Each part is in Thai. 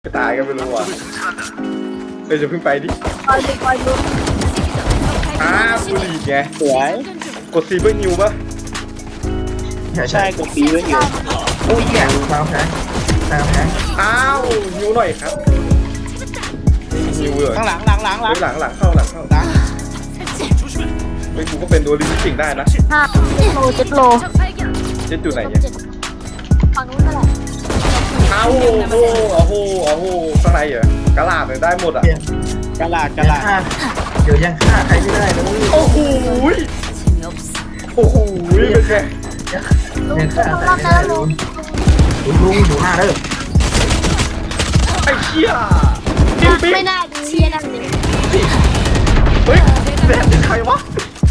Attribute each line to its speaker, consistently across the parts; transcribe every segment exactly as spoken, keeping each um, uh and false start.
Speaker 1: ไปตายกันไม่รู้อ่ะเดี๋ยวจะเพิ่งไปดิ
Speaker 2: คอยดูคอยดู
Speaker 1: อ้าวกูหลีกไง
Speaker 3: สวย
Speaker 1: กดซีเบอร์นิวปะ
Speaker 3: ใช่กดปีไว้อยู่
Speaker 4: โอ้ยแย่ตามแพ้ตามแพ้
Speaker 1: อ้าวนิวหน่อยครับนิวเลย
Speaker 3: ข้างหลังหลังหลังหลัง
Speaker 1: หลังหลังเข้าหลังเข้า
Speaker 3: หลัง
Speaker 1: ไปกูก็เป็นตัวลิงก์ได้นะ
Speaker 2: ห้าเจ็ดโลเจ็ดโล
Speaker 1: เจ็ดจุดไหนเนี่ย
Speaker 2: ฝั่งนู้นนั่นแหละ
Speaker 1: อ้าวโอ้โหโอ้โหโอ้โหข้างในเหรอกระลาดเลยได้หมดอ่ะ
Speaker 3: กระลาดกระ
Speaker 4: ยัง
Speaker 3: ลาด
Speaker 4: ฆ่าเดี๋ยวยังฆ่าใครไม่ได้นะ
Speaker 1: โอ้โหโอ้โหเป็นไง
Speaker 2: ลุง
Speaker 4: ยัง
Speaker 2: ลุ
Speaker 4: ฆ่าง ใคร
Speaker 2: รอบ
Speaker 4: ไม่
Speaker 2: แล้
Speaker 4: ได้
Speaker 2: วลุง
Speaker 4: ลุงลุงอยู่หน้าเด้อ
Speaker 1: ไอ้เชี่ยปิ๊งปิ๊ง
Speaker 2: ไม่ได้ดูเชียร์นั่นเลย
Speaker 1: เฮ้ยแดดเป็นใครวะ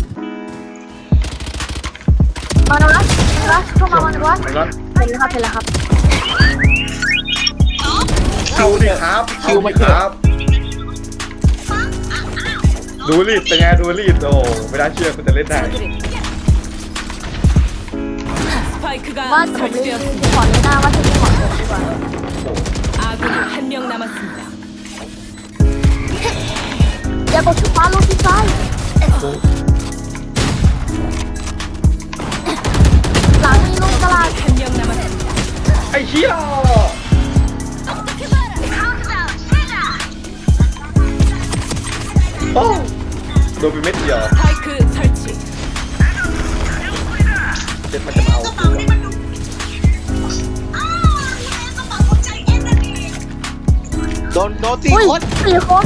Speaker 2: มาแล้วนะนะเข้ามามาแล้วนะ
Speaker 1: ไอ้นั้น
Speaker 2: เห็นแล้วครับเห็นแล้วครับ
Speaker 1: คิวดิครับคิวมาครับดูรีดเป็นไงดูรีดโอ้ไม่น่าเชื่อคุณจะเล่นได้
Speaker 2: ว่าจะผมเล่นขอเลยหน้าว่าจะขอเลยดีกว่า
Speaker 5: 아군이 한 명 남았습니다.
Speaker 2: อย่ากดชุดฟ้าลูกที่ซ้ายหลังนี่ลูกตลาด
Speaker 5: 한 명 남았습니다.
Speaker 1: ไอ้เชี่ยโอ้โดนไปเม็ดเดียว
Speaker 5: 스파이크 설치.
Speaker 1: เจ็ดมันจะมาเอากูอะ
Speaker 3: โดนโดนสี่
Speaker 2: อุ้ย
Speaker 3: คน
Speaker 2: สี่คน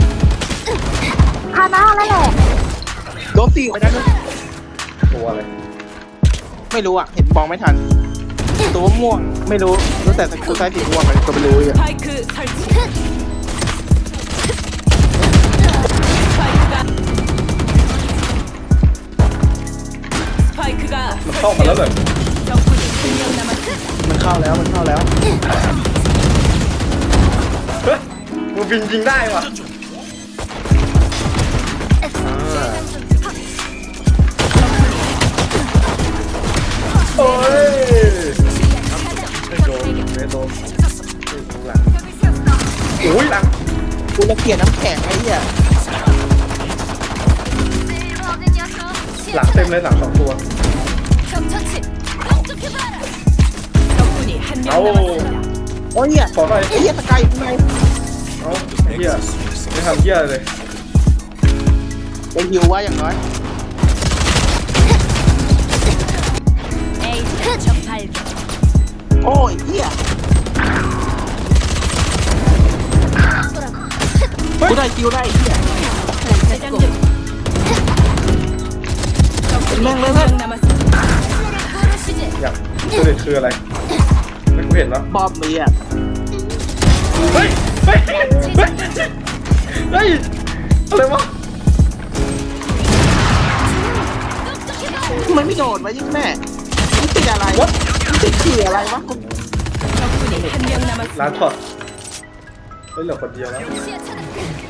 Speaker 2: คานาแล้วแหละ
Speaker 3: โดนสี่คนนั้น
Speaker 1: ตัวอะไร
Speaker 3: ไม่รู้อ่ะเห็นมองไม่ทันตัวม่วงไม่รู้รู้แต่สกิลใช้สีม่วงเลยก็ไม่รู้อ่ะ
Speaker 5: 스파이크 설치. 스파이크가 스파이크가
Speaker 1: มันเข้ามาแล้วเลย
Speaker 5: 적군이 한 명 남았습니다.
Speaker 3: มันเข้าแล้วมันเข้าแล้ว
Speaker 1: เฮ้ยมึงบินยิงได้ว่ะอ่าโอ้ยไม่โดนไม่โดนหลังโอ้ยหลัง
Speaker 3: กูระเกียดน้ำแข็งไอ้เหี้ย
Speaker 1: หลังเต็มเลยหลังสองตัว
Speaker 5: 적군이 한 명
Speaker 1: 아우.
Speaker 5: 남았습니다.
Speaker 3: โอ้ยเหี้ย
Speaker 1: ขอหน่อย
Speaker 3: ไอ้เหี้ยตะไคร้ข้างใน
Speaker 1: เอ้าไอ้เหี้ยไม่ทำเหี้ยเลย
Speaker 3: ไปฮิวว่าอย่างน้อย
Speaker 5: 에이스 적발견.
Speaker 3: โอ้ยเหี้ยกูได้คิวได้ไอ้เหี้ย
Speaker 5: 재장전. 적군이
Speaker 3: 맹,
Speaker 5: 한
Speaker 3: 맹,
Speaker 5: 명
Speaker 3: 맹.
Speaker 5: 남았습니다.
Speaker 1: อยากตัวเด็ดคืออะไรไม่กูเห็นแล้ว
Speaker 3: บอมมีอ่ะ
Speaker 1: เฮ้ยเฮ้ยเฮ้ยเฮ้ยอะไรวะ
Speaker 3: มันไม่โดดวะยิ่งแม่มันติดอะไรวะมันติดขี่อะไรวะ
Speaker 5: 적군이 한 명 남았습니다.
Speaker 1: ร้านช็อตเฮ้ยเหลือคนเดียวแล้ว